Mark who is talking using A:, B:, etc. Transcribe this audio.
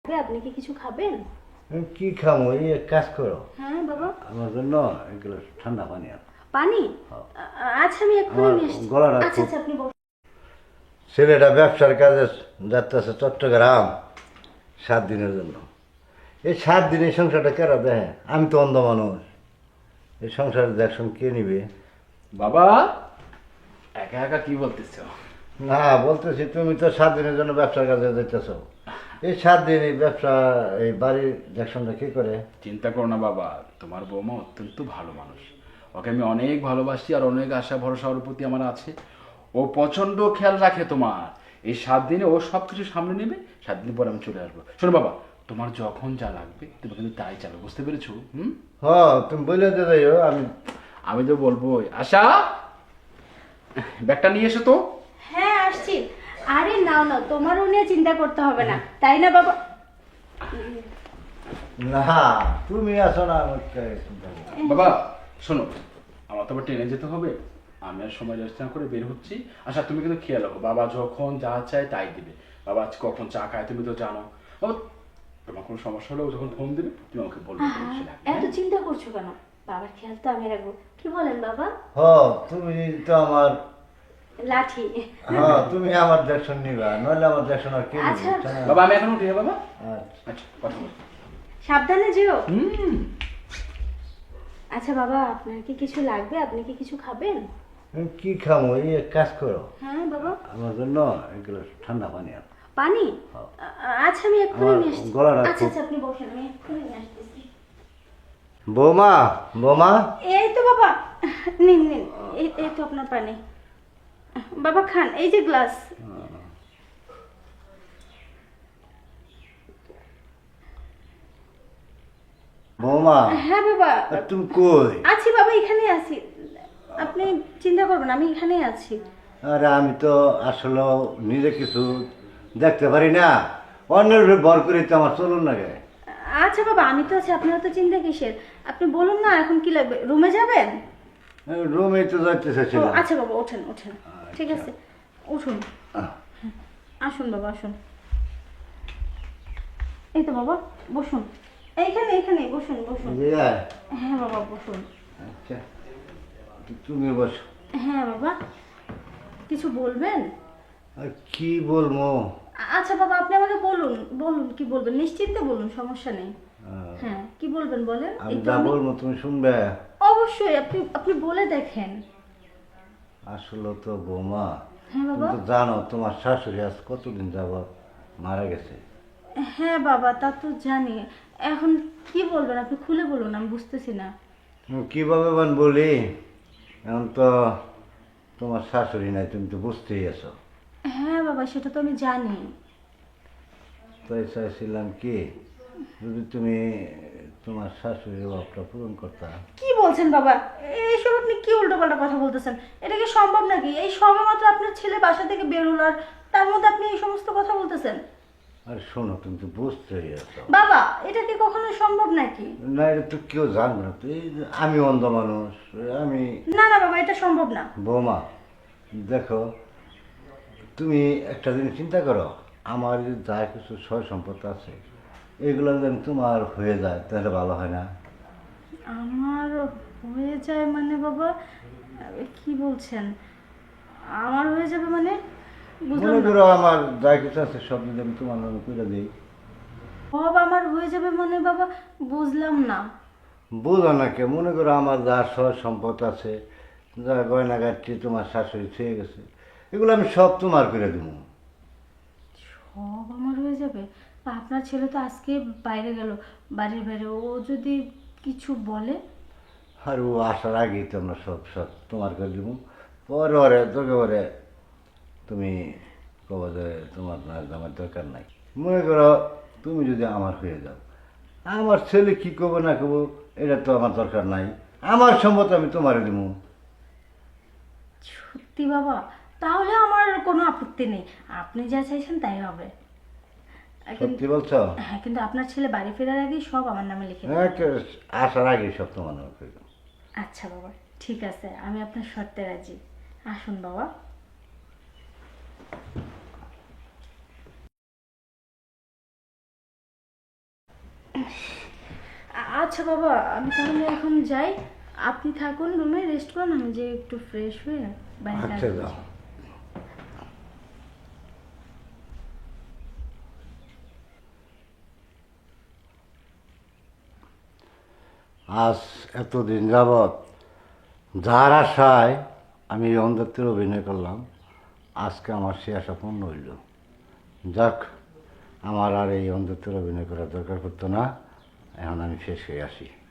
A: আপনি কি কিছু খাবেন?
B: কি খামো? এই এক কাজ করো,
A: হ্যাঁ বাবা।
B: আমার জন্য এক গ্লাস ঠান্ডা পানি আনো।
A: পানি?
B: হ্যাঁ।
A: আচ্ছা আমি এক্ষুনি
B: আমার
A: নিয়ে আসছি।
B: গলাটা
A: আচ্ছা
B: খুব,
A: আচ্ছা আপনি বসুন।
B: ছেলেটা ব্যবসার কাজে যাচ্ছে চট্টগ্রাম 7 দিনের জন্য। এই 7 দিনের সংসারটা কেরা দেখে? আমি তো অন্ধ মানুষ, এই সংসার দেখুন কে নিবে?
C: বাবা, একা একা কি বলতেছ?
B: না, বলতেছি তুমি তো 7 দিনের জন্য ব্যবসার কাজে যাইতেছ। এই 7 দিন এই ব্যবসা, এই বাড়ির দেখশনটা কি করে?
C: চিন্তা করো না বাবা, তোমার বৌমা অত্যন্ত ভালো মানুষ। ওকে আমি অনেক ভালোবাসি আর অনেক আশা ভরসা ওর প্রতি আমার আছে। ও প্রচন্ড খেয়াল রাখে তোমার। এই 7 দিনে ও সব কিছু সামনে নেবে। 7 দিন পর আমি চলে আসবো। শোনো বাবা, তোমার যখন যা লাগবে তুমি কিন্তু তাই চালো, বুঝতে পেরেছো?
B: হ, তুমি বলে দিয়ে যাইও। আমি
C: আমি তো বলবোই। আশা, ব্যাগটা নিয়ে এসো তো।
A: হ্যাঁ আসছি। আরে নাও নাও, তোমারও নিয়ে চিন্তা করতে হবে না, তাই না বাবা?
B: না, তুমি আসো না, আমি চিন্তা করি।
C: বাবা শোনো, আমার তো আবার ট্রেনে যেতে হবে। আমি আর সময় নষ্ট না করে বের হচ্ছি। আচ্ছা তুমি কিন্তু খেয়াল রাখো, বাবা যখন যা চায় তাই দিবে। বাবা আজ কখন চা খায় তুমি তো জানো। বাবা, তোমার কোনো সমস্যা হলেও যখন ফোন দিবে তুমি আমাকে বলবে।
A: এত চিন্তা করছো কেন? বাবার খেয়াল তো আমি রাখবো। কি বলেন বাবা?
B: হ, তুমি তো আমার,
A: লাঠি।
B: তুমি আমার দেখশন নিবা, নইলে আমার দেখশন আর কে নিবে?
A: আচ্ছা।
B: তাই না?
C: বাবা আমি এখন উঠি, হ্যাঁ বাবা।
B: আচ্ছা।
C: আচ্ছা কথা বলো।
A: সাবধানে যেও।
C: হুম।
A: আচ্ছা বাবা, আপনার কি কিছু লাগবে? আপনি কি কিছু খাবেন?
B: কি খামো? এই এক কাজ করো,
A: হ্যাঁ বাবা।
B: আমার জন্য এক গ্লাস ঠান্ডা পানি আনো।
A: পানি? আচ্ছা আমি এক্ষুনি
B: আমার
A: নিয়ে আসছি।
B: গলাটা
A: আচ্ছা
B: খুব,
A: আচ্ছা আপনি বসেন, আমি এক্ষুনি নিয়ে আসতেছি।
B: বৌমা, বৌমা।
A: এই তো বাবা, নিন নিন। এই তো আপনার পানি। বাবা খান, এই যে গ্লাস।
B: বৌমা,
A: হ্যাঁ বাবা।
B: তুমি কই?
A: আছি বাবা, এখানেই আছি। আপনি চিন্তা করবেন, আমি এখানেই আছি।
B: আরে আমি তো আসলে নিজে কিছু দেখতে পারি না, অন্যের উপরে ভর করে তো আমার চলুন না গে।
A: আচ্ছা বাবা, আমি তো আছি, আপনার তো চিন্তা কিসের? আপনি বলুন না এখন কি লাগবে। রুমে যাবেন?
B: রুমে তো যাইতে
A: ও,
B: চাইছিলাম।
A: আচ্ছা বাবা, ওঠেন ওঠেন। ঠিক আছে, উঠুন। আসুন বাবা আসুন। এই তো বাবা, বসুন। এইখানে এইখানে বসুন বসুন।
B: ইয়ে,
A: হ্যাঁ বাবা বসুন।
B: আচ্ছা, তুমি বসো।
A: হ্যাঁ বাবা, কিছু বলবেন?
B: আর কি বলবো?
A: আচ্ছা বাবা, আপনি আমাকে বলুন বলুন, কি বলবেন, নিশ্চিন্তে বলুন, সমস্যা নেই। হ্যাঁ কি বলবেন বলেন।
B: আমি
A: এই তো
B: যা বলবো তুমি শুনবে?
A: অবশ্যই, আপনি আপনি বলে দেখেন।
B: আসলে তো বৌমা,
A: হ্যাঁ
B: তুমি
A: বাবা।
B: তো জানো তোমার শাশুড়ি আজ কতদিন যাবত মারা গেছে।
A: হ্যাঁ বাবা, তা তো জানি। এখন কি বলবেন, আপনি খুলে বলুন, আমি বুঝতেছি না।
B: কিভাবে বলি, এখন তো তোমার শাশুড়ি নাই, তুমি তো বুঝতেই আছো।
A: হ্যাঁ বাবা, সেটা তো আমি জানি।
B: তাই চাইছিলাম কি, যদি তুমি তোমার শাশুড়ির অভাবটা পূরণ করতা।
A: কি বলছেন বাবা? এইসব আপনি কি উল্টোপাল্টা কথা বলতেছেন? এটা কি সম্ভব নাকি? এই সবে মাত্র আপনার ছেলে বাসা থেকে বের হলো, আর তার মধ্যে আপনি এই সমস্ত কথা বলতেছেন?
B: আর শোনো, তুমি তো বুঝতেই আছো।
A: বাবা, এটা কি কখনো সম্ভব নাকি?
B: না, এটা তো কেউ জানবে না তো, এই যে আমি অন্ধ মানুষ, আমি।
A: না না বাবা, এটা সম্ভব না।
B: বৌমা দেখো, তুমি একটা জিনিস চিন্তা করো, আমার যে যা কিছু সয় সম্পদ আছে, এগুলো যেন তোমার হয়ে যায় তাহলে ভালো হয় না?
A: আমার হয়ে যায় মানে বাবা, কি বলছেন? আমার হয়ে যাবে মানে? বুঝলাম
B: মনে
A: না।
B: করো আমার যা কিছু আছে সব যদি আমি তোমার নামে করে দিই।
A: সব আমার হয়ে যাবে মানে বাবা, বুঝলাম না।
B: বুঝো না কে, মনে করো আমার যা সয় সম্পদ আছে, যা গয়নাগাটি তোমার শাশুড়ি ছুঁয়ে গেছে, এগুলো আমি সব তোমার করে দেবো।
A: সব আমার হয়ে যাবে? আপনার ছেলে তো আজকে বাইরে গেল, বাড়ির বাইরে। ও যদি কিছু বলে?
B: আর ও আসার আগেই তো আমরা সব সব তোমার করে দেবো। পরে ওরে তোকে ওরে তুমি কব যে তোমার না আমার দরকার নাই। মনে করো তুমি যদি আমার হয়ে যাও, আমার ছেলে কি করবো না করবো এটা তো আমার দরকার নাই, আমার সম্মত আমি তোমারে দেবো।
A: সত্যি বাবা? তাহলে আমার কোনো আপত্তি নেই, আপনি যা চাইছেন তাই হবে।
B: সত্যি বলছো?
A: হ্যাঁ, কিন্তু আপনার ছেলে বাড়ি ফেরার আগেই সব আমার নামে লিখে দেবেন।
B: হ্যাঁ, আসার আগেই সব তোমার নামে করে দেবো।
A: আচ্ছা বাবা, ঠিক আছে, আমি আপনার শর্তে রাজি। আসুন বাবা। আচ্ছা বাবা, আমি তাহলে এখন যাই। আপনি থাকুন রুমে, রেস্ট করুন, আমি যে একটু ফ্রেশ হয়ে বাইরে কাজ
B: আচ্ছা
A: করছি।
B: যাও। আজ এতদিন যাবৎ যার আশায় আমি এই অন্ধত্বের অভিনয় করলাম, আজকে আমার সে আশা পূর্ণ হইল। যাক, আমার আর এই অন্ধত্বের অভিনয় করার দরকার পড়তো না। এখন আমি শেষ হয়ে আসি।